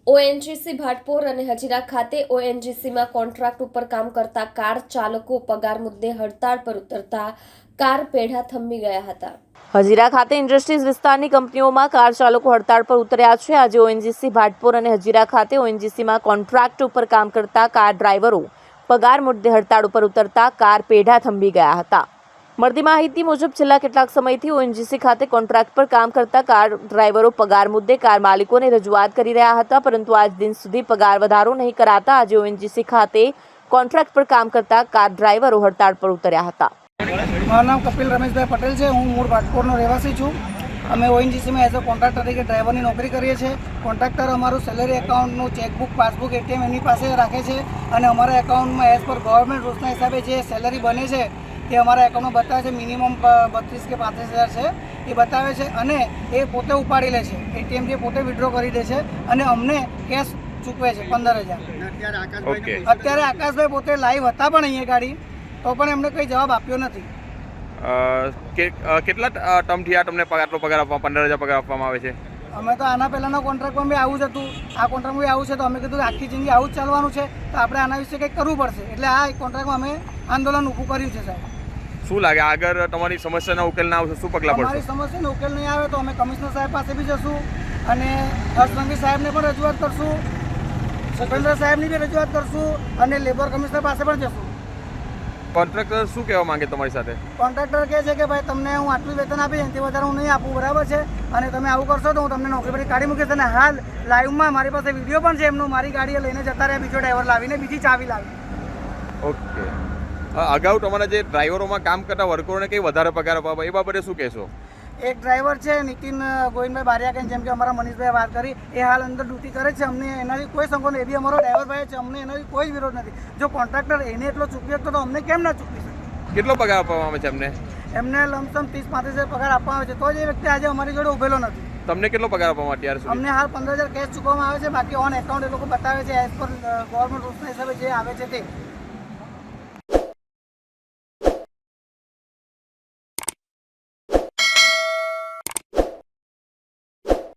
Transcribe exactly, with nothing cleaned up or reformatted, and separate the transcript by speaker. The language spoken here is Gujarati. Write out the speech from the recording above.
Speaker 1: ઓએનજીસી ભાટપોર અને હજીરા ખાતે ઓએનજીસીમાં કોન્ટ્રાક્ટ ઉપર કામ કરતા કાર ચાલકો પગાર મુદ્દે હડતાળ પર ઉતરતા કાર પેઢા થંભી ગયા હતા।
Speaker 2: હજીરા ખાતે ઇન્ડસ્ટ્રીઝ વિસ્તારની કંપનીઓમાં કાર ચાલકો હડતાળ પર ઉતર્યા છે। આજે ઓએનજીસી ભાટપોર અને હજીરા ખાતે ઓએનજીસીમાં કોન્ટ્રાક્ટ ઉપર કામ કરતા કાર ડ્રાઈવરો પગાર મુદ્દે હડતાળ ઉપર ઉતરતા કાર પેઢા થંભી ગયા હતા। મળતી માહિતી મુજબ છેલ્લા કેટલાક સમયથી ઓએનજીસી ખાતે કોન્ટ્રાક્ટ પર કામ કરતા કાર ડ્રાઈવરો પગાર મુદ્દે કાર માલિકોને રજૂઆત કરી રહ્યા હતા, પરંતુ આજ દિન સુધી પગાર વધારો નહીં કરાતા આજે ઓએનજીસી ખાતે કોન્ટ્રાક્ટ પર કામ કરતા કાર ડ્રાઈવરો હડતાળ પર ઉતર્યા હતા।
Speaker 3: મારું નામ કપિલ રમેશભાઈ પટેલ છે। હું મૂળ ભાટપોરનો રહેવાસી છું। અમે ઓએનજીસીમાં એઝ અ કોન્ટ્રાક્ટર તરીકે ડ્રાઈવરની નોકરી કરીએ છીએ। કોન્ટ્રાક્ટર અમારું સેલરી એકાઉન્ટનું ચેકબુક, પાસબુક, એટીએમ એની પાસે રાખે છે અને અમારા એકાઉન્ટમાં એઝ પર ગવર્મેન્ટ રૂલ્સના હિસાબે જે સેલરી બને છે તે અમારા એકાઉન્ટમાં બતાવે છે। મિનિમમ બત્રીસ કે પાંત્રીસ હજાર છે એ બતાવે છે અને એ પોતે ઉપાડી લે છે। એટીએમ જે પોતે વિડ્રો કરી દે છે અને અમને કેશ ચૂકવે છે પંદર હજાર। અત્યારે આકાશભાઈ પોતે લાઈવ હતા પણ અહીંયા ગાડી, તો પણ એમને કંઈ જવાબ આપ્યો નથી।
Speaker 4: કેટલા ટર્મથી આ તમને આટલો પગાર આપવા પંદર હજાર પગાર આપવામાં આવે છે?
Speaker 3: અમે તો આના પહેલાંના કોન્ટ્રાક્ટમાં બી આવું જ હતું, આ કોન્ટ્રાક્ટમાં બી આવું છે, તો અમે કીધું કે આખી જિંદગી આવું જ ચાલવાનું છે, તો આપણે આના વિશે કંઈક કરવું પડશે, એટલે આ કોન્ટ્રાક્ટમાં અમે આંદોલન ઊભું કર્યું છે। સાહેબ,
Speaker 4: શું લાગે આગળ તમારી સમસ્યાનો ઉકેલ ના આવશે શું પગલાં
Speaker 3: અમારી
Speaker 4: પડશે?
Speaker 3: સમસ્યાનો ઉકેલ નહીં આવે તો અમે કમિશનર સાહેબ પાસે બી જશું અને હર્ષ સાહેબને પણ રજૂઆત કરશું, સતેન્દ્ર સાહેબની બી રજૂઆત કરશું અને લેબર કમિશનર પાસે પણ જશું।
Speaker 4: કોન્ટ્રાક્ટર શું કહેવા માંગે તમારી સાથે?
Speaker 3: કોન્ટ્રાક્ટર કહે છે કે ભાઈ તમને હું આટલું વેતન આપીશ, એનાથી વધારે હું નહીં આપું, બરાબર છે, અને તમે આવું કરશો તો હું તમને નોકરી પરથી કાઢી મૂકીશ। અને હાલ લાઈવમાં મારી પાસે વિડીયો પણ છે એમનો, મારી ગાડીએ લઈને જતા રહ્યા બીજો ડ્રાઈવર લાવીને, બીજી ચાવી લાવી।
Speaker 4: ઓકે, અગાઉ તમારા જે ડ્રાઈવરોમાં કામ કરતા વર્કરોને કંઈ વધારે પગાર આપવા એ બાબતે શું કહેશો?
Speaker 3: એક ડ્રાઈવર છે નીતિન ગોવિંદભાઈ બારિયા, જેમ કે અમારા મનીષભાઈ વાત કરી, એ હાલ અંદર ડ્યુટી કરે છે। અમને એનાથી કોઈ સંકોચ નહીં, એ બી અમારો ડ્રાઈવર ભાઈ છે, અમને એનાથી કોઈ વિરોધ નથી। જો કોન્ટ્રાક્ટર એને એટલો ચૂકવી શકતો તો અમને કેમ ના ચૂકવી શકે?
Speaker 4: કેટલો પગાર આપવામાં આવે છે એમને?
Speaker 3: એમને લમસમ ત્રીસ પાંત્રીસ હજાર પગાર આપવામાં આવે છે, તો જ એ વ્યક્તિ આજે અમારી જોડે ઉભેલો નથી।
Speaker 4: તમને કેટલો પગાર આપવામાં અત્યાર સુધી?
Speaker 3: અમને હાલ પંદર હજાર કેશ ચૂકવવામાં આવે છે, બાકી ઓન એકાઉન્ટ એ લોકો બતાવે છે એઝ પર ગવર્મેન્ટ રૂલ્સના હિસાબે જે આવે છે તે।